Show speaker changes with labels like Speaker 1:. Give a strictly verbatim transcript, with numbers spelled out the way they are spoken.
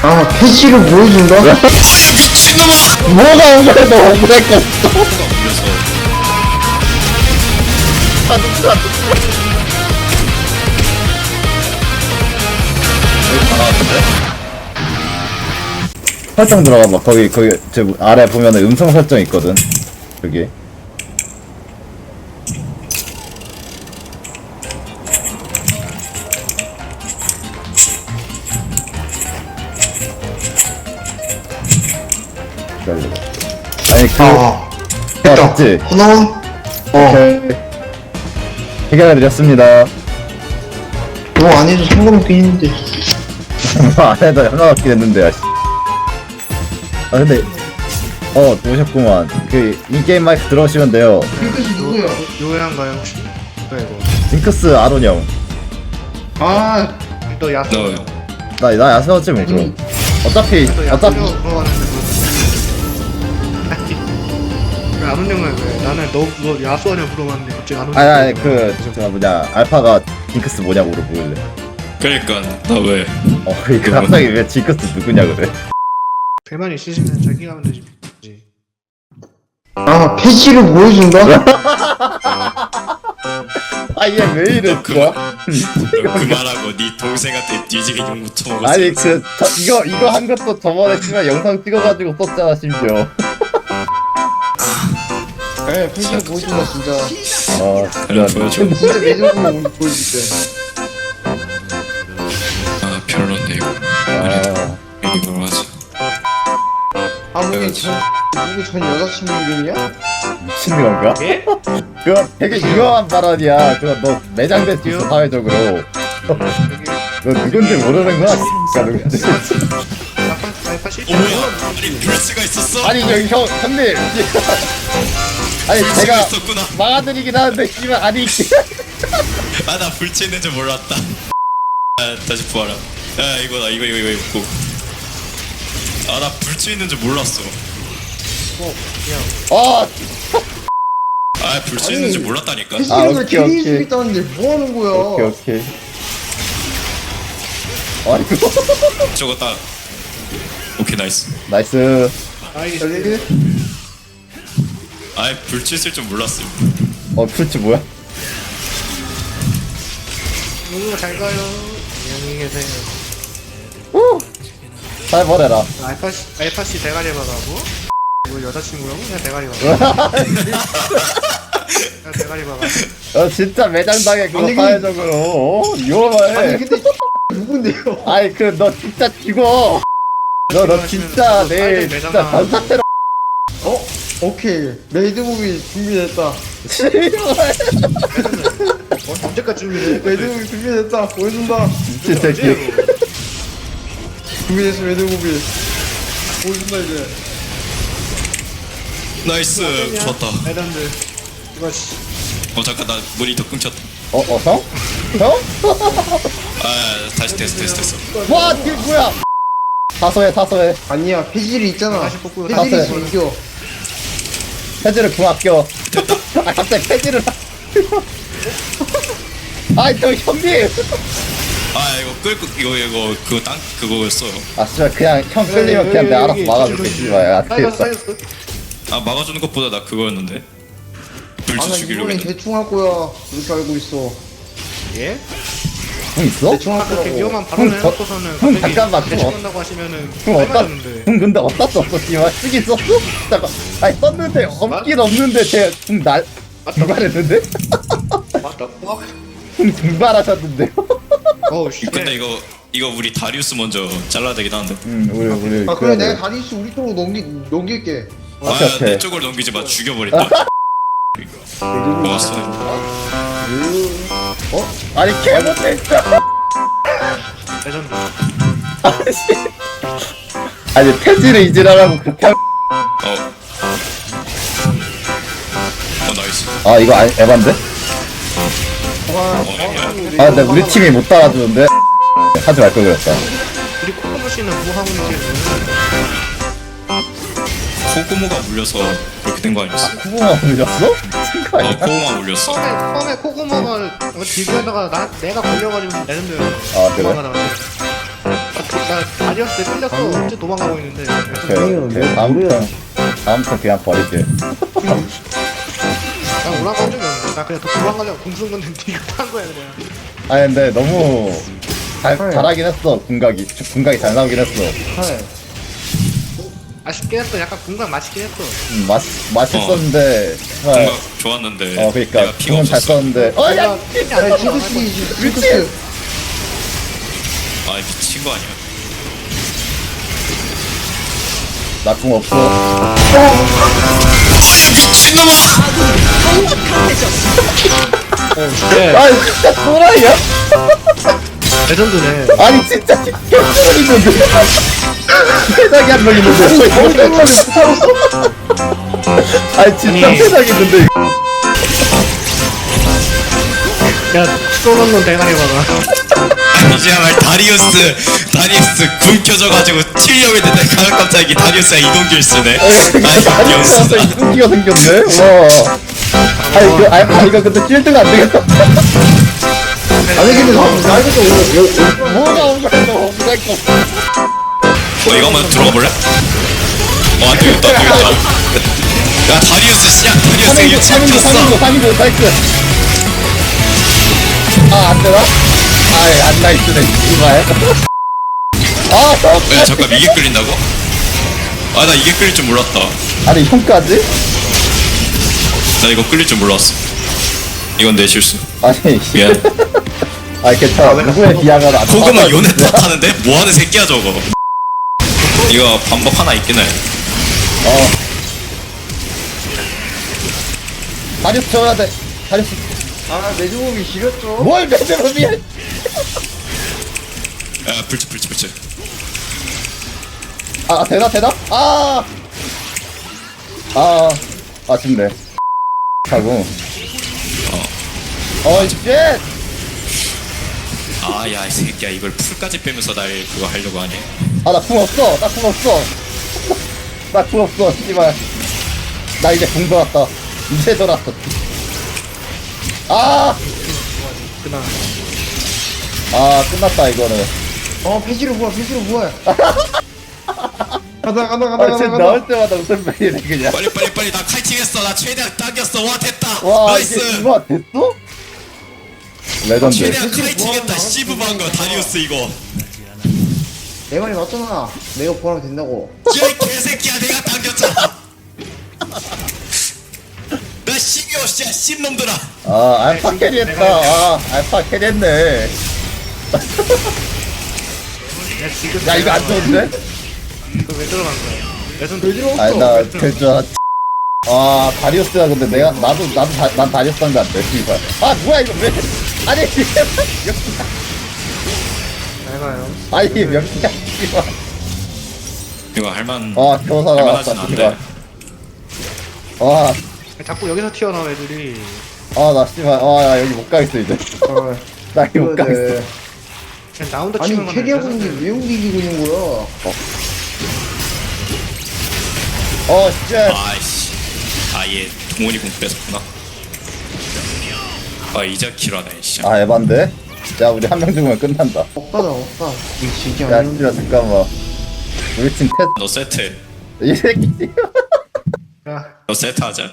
Speaker 1: 아, 패시를 보여준다?
Speaker 2: 미친놈아!
Speaker 1: 뭐가 억울해도 억울했겠어.
Speaker 2: 물려서
Speaker 3: 설정 들어가봐. 거기 거기 저 아래 보면은 음성 설정 있거든. 여기. 기다려봐. 아니 그
Speaker 1: 아,
Speaker 3: 아, 맞지?
Speaker 1: 하나? 어,
Speaker 3: 해결해드렸습니다.
Speaker 1: 뭐 안 해도 상관없긴 했는데.
Speaker 3: 뭐 안 해도 상관없긴 했는데. 아, 씨. 아 근데 어 오셨구만. 그 인게임 마이크 들어오시면 돼요.
Speaker 1: 핑크씨 누구야?
Speaker 4: 요양가요 혹시? 뭐야 이거?
Speaker 3: 징크스 아론 형.
Speaker 1: 아,
Speaker 4: 또 야수.
Speaker 2: 넣어요.
Speaker 3: 나, 나 야스였지 뭐 그럼. 어차피
Speaker 4: 또
Speaker 3: 어차피
Speaker 4: 야수 물어봤는데 그 아는 형은 왜? 나는 너 그거 야수하냐 물어봤는데 갑자기 아는
Speaker 3: 아니 아니 그저 뭐냐 알파가 징크스 뭐냐고 물어보길래.
Speaker 2: 그러니까 나 왜?
Speaker 3: 어 그 갑자기 왜 징크스 누구냐 그래.
Speaker 4: 배만 있으시면 자기가 하면 되지.
Speaker 1: 아, 패시를 보여준다?
Speaker 3: 아 얘 왜 이래
Speaker 2: 너
Speaker 3: 좋아?
Speaker 2: 너 그만하고 네 동생한테 뒤지게 욕 묻혀먹었어.
Speaker 3: 아니 그 저, 이거 이거 한 것도 저번에 씨발 영상 찍어가지고 썼잖아 심지어.
Speaker 1: 네, 패시를 보여준다, 진짜.
Speaker 3: 아
Speaker 2: 그래
Speaker 3: 진짜.
Speaker 2: 보여줘.
Speaker 1: 진짜 매듭으로 우리 보여줄게.
Speaker 2: 아 별론데 이거.
Speaker 3: 아
Speaker 2: 이걸 하자.
Speaker 1: 아무리 전, 누구 전 여자친구 이름이야?
Speaker 3: 미친 건가?
Speaker 4: 예?
Speaker 3: 그거 되게 유명한 발언이야. 그거 너 매장될 수 있어 사회적으로. 너 누군지 모르는 거야? 진짜 누군지.
Speaker 4: 아빠 아빠 씨.
Speaker 2: 어 뭐야? 아니 불스가 있었어?
Speaker 3: 아니 저기 형 형님. 아니
Speaker 2: 불스가
Speaker 3: 제가
Speaker 2: 있었구나.
Speaker 3: 막아드리긴 하는데 씨발 아니.
Speaker 2: 아 나 불치 있는 줄 몰랐다. 아 다시 부활아. 아 이거다 이거 이거 이거 입고. 아나 불치 있는 줄 몰랐어.
Speaker 3: 아
Speaker 2: 아 불치 있는 줄 몰랐다니까.
Speaker 1: 패시
Speaker 3: 아,
Speaker 1: 이름을
Speaker 3: 오케이,
Speaker 1: 괜히
Speaker 3: 오케이.
Speaker 1: 쓰겠다는데 뭐 하는 거야?
Speaker 3: 오케이 오케이. 아니
Speaker 2: 저거 딱. 오케이 나이스.
Speaker 3: 나이스.
Speaker 4: 아이
Speaker 1: 달리기?
Speaker 2: 아이 불치 있을 줄 몰랐어.
Speaker 3: 어 풀치 뭐야?
Speaker 4: 누구 잘 가요. 안녕히 계세요.
Speaker 3: 잘 버려라.
Speaker 4: 알파 씨 알파 씨 대가리 박아고. 이거 여자친구라고? 그냥 대가리 박아. 그냥 대가리 박아.
Speaker 3: 어 진짜 매장당해 그거
Speaker 1: 아니, 그-
Speaker 3: 사회적으로. 어? 위험해.
Speaker 1: 아니, 근데 누군데요?
Speaker 3: 아니 그 너 진짜 죽어. 너 너 진짜 내일 진짜 단사태로.
Speaker 1: 어? 오케이. 메이드무비 준비됐다.
Speaker 4: 어, 언제까지 준비해?
Speaker 1: 메이드무비 준비됐다. 보여준다.
Speaker 3: 미친 새끼.
Speaker 1: 준비됐어, 메이드무비. 보여준다, 이제.
Speaker 2: 나이스 좋았다.
Speaker 4: 레전드. 이거 씨.
Speaker 2: 어 잠깐 나 모니터 끊겼다.
Speaker 3: 어 어 형? 형?
Speaker 2: 아 다시 됐어 됐어 됐어.
Speaker 3: 와 이게 뭐야? 사소해 사소해.
Speaker 1: 아니야, 패질이 있잖아.
Speaker 4: 다시 뽑고
Speaker 1: 패질이
Speaker 3: 다시
Speaker 1: 있어, 이겨.
Speaker 3: 패지를 궁 아껴. 아 갑자기 패지를. 아이 저 형님.
Speaker 2: 아 이거 끌고 이거 이거 그거 땅 그거였어.
Speaker 3: 아 진짜 그냥 형 끌리면 그냥 내가 알아서 막아줄게 씨발. 안
Speaker 4: 사이였어
Speaker 3: 되겠다.
Speaker 4: 사이였어.
Speaker 2: 아 막아주는 것보다 나 그거였는데.
Speaker 1: 아,
Speaker 2: 불치
Speaker 1: 나
Speaker 2: 죽이려고
Speaker 1: 이번엔
Speaker 2: 했는데.
Speaker 1: 대충 할 거야. 이렇게 알고 있어.
Speaker 4: 예?
Speaker 3: 궁 있어?
Speaker 1: 대충 할
Speaker 4: 그렇게
Speaker 1: 거라고.
Speaker 4: 위험한 발언을
Speaker 3: 형, 저-
Speaker 4: 해놓고서는
Speaker 3: 형,
Speaker 4: 갑자기
Speaker 3: 잠깐만,
Speaker 4: 대충
Speaker 3: 형.
Speaker 4: 한다고 하시면은
Speaker 3: 궁 어디다?
Speaker 4: 빨라졌는데.
Speaker 3: 궁 근데 어디다 썼어 씨발. 쓰긴 썼어? 잠깐. 아니 썼는데 없긴 없는데 제궁날 중발했는데?
Speaker 4: 맞다. 와.
Speaker 3: 궁 중발하셨는데요?
Speaker 4: 어우 씨.
Speaker 2: 근데 이거 이거 우리 다리우스 먼저 잘라야 되긴 하는데.
Speaker 3: 응 우리 우리
Speaker 1: 아,
Speaker 3: 그래야
Speaker 1: 그래, 내가
Speaker 3: 돼.
Speaker 1: 다리스 우리 쪽으로 넘기, 넘길게.
Speaker 3: 오케이,
Speaker 2: 아
Speaker 3: 오케이.
Speaker 2: 내 쪽을 넘기지 마 죽여버린다. 먹었어.
Speaker 3: 어? 아니 개 못해 진짜.
Speaker 4: 레전드.
Speaker 3: 아니 패지를 잊으라고 그렇게 하...
Speaker 2: 어. 어 나이스.
Speaker 3: 아 이거 아니 에반데?
Speaker 2: 어 에바야.
Speaker 3: 아 근데 우리 팀이 못 따라주는데 하지 말 걸 그랬다.
Speaker 4: 우리 코코모 씨는 뭐 하고 있는지
Speaker 2: 코고모가 물려서 그렇게 된 거 아니었어?
Speaker 3: 코고마 물렸어? 미친 거
Speaker 2: 어
Speaker 3: 아니야?
Speaker 2: 코고모가 물렸어.
Speaker 4: 처음에 처음에 코코모가 디비하다가 나 내가 걸려가지고 레전드.
Speaker 3: 아, 그래?
Speaker 4: 나 다리어스 끌렸어. 어째 도망가고 있는데.
Speaker 3: 그, 그 다음 턴 다음 턴 그냥 버릴게.
Speaker 4: 나 올라간 적이 없는데. 나 그냥 더 도망가려고 궁쓴 건데 니가 탄 거야 그냥.
Speaker 3: 아니 근데 너무 잘 잘하긴 했어. 궁각이 궁각이 잘 나오긴 했어.
Speaker 1: 할.
Speaker 4: 아쉽긴 했어. 약간 궁각 맛있긴 했어.
Speaker 3: 음, 맛 맛있었는데 정말
Speaker 2: 뭔가 좋았는데
Speaker 3: 어 그러니까
Speaker 2: 내가 피가
Speaker 3: 궁은 잘
Speaker 2: 없었어.
Speaker 3: 썼는데 어야
Speaker 4: 내가 힘이 안
Speaker 1: 야,
Speaker 4: 나서
Speaker 1: 징크스,
Speaker 3: 미친.
Speaker 1: 징크스.
Speaker 2: 아 미친 거 아니야?
Speaker 3: 나 궁 없어.
Speaker 2: 미친놈아!
Speaker 4: 네.
Speaker 3: 아 진짜 또라이야?
Speaker 4: 레전드네.
Speaker 3: 아니 진짜 개쩔 있는데 세상에 한 명 있는데 아니 진짜
Speaker 4: 아니.
Speaker 3: 세상에 있는데
Speaker 4: 야 쏘는 대가리 봐봐.
Speaker 2: 아니지야말 다리우스 다리우스 군 켜져가지고 튀려고 했는데 가면 갑자기 다리우스가 이동길 쓰네. 아니
Speaker 3: 다리우스한테
Speaker 2: 귀엽다.
Speaker 3: 이승기가 생겼네 와 아니 그 아니 이거 근데 찔드가 안 되겠다
Speaker 1: 아니, 근데 나, 나 이거 좀,
Speaker 3: 뭐가 온 거야 너 없을 거
Speaker 2: 어 이거 한번 들어가 볼래? 어 안되겠다 안되겠다. 야 다리우스 씨야 다리우스
Speaker 3: 삼인구
Speaker 2: 이거
Speaker 3: 삼인구 삼인구
Speaker 2: 찍혔어.
Speaker 3: 삼인구 나이스 아 안되나? 아이 안 나이스네 이발 아 저-
Speaker 2: 야 잠깐 이게 끌린다고? 아 나 이게 끌릴 줄 몰랐다.
Speaker 3: 아니 형까지?
Speaker 2: 나 이거 끌릴 줄 몰랐어. 이건 내 실수.
Speaker 3: 아니
Speaker 2: 미안.
Speaker 3: 아 괜찮아 누구의 비하가 안
Speaker 2: 고구마
Speaker 3: 나와.
Speaker 2: 요네 탓하는데? 뭐하는 새끼야 저거. 이거 반복 하나 있긴 해.
Speaker 3: 어 다리우스 채워야 돼 다리우스
Speaker 1: 아, 내 주먹이 지렸죠.
Speaker 3: 뭘 매듭이야
Speaker 2: 야 불치 불치 불치.
Speaker 3: 아 되나 되나? 아 아, 아쉽네 하고 어이 쉣
Speaker 2: 아야 이 새끼야 이걸 풀까지 빼면서 날 그거 하려고 하네.
Speaker 3: 아 나 궁 없어 나 궁 없어 나 궁 없어 씨발 나 이제 궁 돌았다 이제 돌았어 아!
Speaker 4: 그나.
Speaker 3: 아 끝났다 이거는
Speaker 1: 어, 폐지로 부활, 폐지로 부활. 가다, 가다, 가다,
Speaker 3: 아
Speaker 1: 가다,
Speaker 3: 지금
Speaker 1: 가다.
Speaker 3: 나올 때마다 웃음 빼이네 그냥
Speaker 2: 빨리 빨리 빨리 나 칼팅했어. 나 최대한 당겼어. 와 됐다.
Speaker 3: 와
Speaker 2: 나이스.
Speaker 3: 이게 이거 됐어? 레전드
Speaker 2: 최대한
Speaker 1: 그치,
Speaker 2: 칼팅했다.
Speaker 1: 뭐,
Speaker 2: 씨부한 거 다리우스 이거.
Speaker 1: 내 말이 맞잖아. 내가 부활하면 된다고.
Speaker 2: 야이 개새끼야 내가 당겼잖아. 나 십이오 씨야 씹놈들아.
Speaker 3: 아 알파 캐리했다 아 알파 캐리했네
Speaker 4: 야 지금.
Speaker 3: 야 이거 안 좋은데?
Speaker 4: 이거 왜 들어간 거야? 레전드.
Speaker 1: 왜 들어왔어?
Speaker 3: 아니 나 그저 아 다리우스야 근데 내가 나도 나도 다, 난 다리우스 한거 안돼 씨발 아 뭐야 이거 왜 아니
Speaker 4: 잘 가요.
Speaker 3: 아니 몇 개야 씨발
Speaker 2: 이거 할만.
Speaker 3: 아 교사가
Speaker 2: 할만하진
Speaker 3: 왔다
Speaker 2: 않네.
Speaker 3: 씨발
Speaker 4: 자꾸 여기서 튀어나와 애들이.
Speaker 3: 아아나 씨발 아나 여기 못 가겠어 이제
Speaker 1: 어,
Speaker 3: 나 여기 못 가겠어
Speaker 1: 그래.
Speaker 4: 그냥 나 혼자 치는
Speaker 1: 아니,
Speaker 4: 건
Speaker 1: 캐리하고 있는 게 왜 움직이고 있는 거야?
Speaker 3: 어쉣
Speaker 2: 아이씨. 아얘 동원이 공 뺏었구나. 아 이제 킬하네 씨.
Speaker 3: 아 에반데? 야 우리 한 명 죽으면 끝난다
Speaker 1: 억가다, 억가. 이게 진짜
Speaker 3: 야
Speaker 1: 아닌데.
Speaker 3: 씨발 잠깐만 우리 팀
Speaker 2: 너 세트.
Speaker 3: 테이 새끼
Speaker 4: 야
Speaker 2: 너 세트 하자.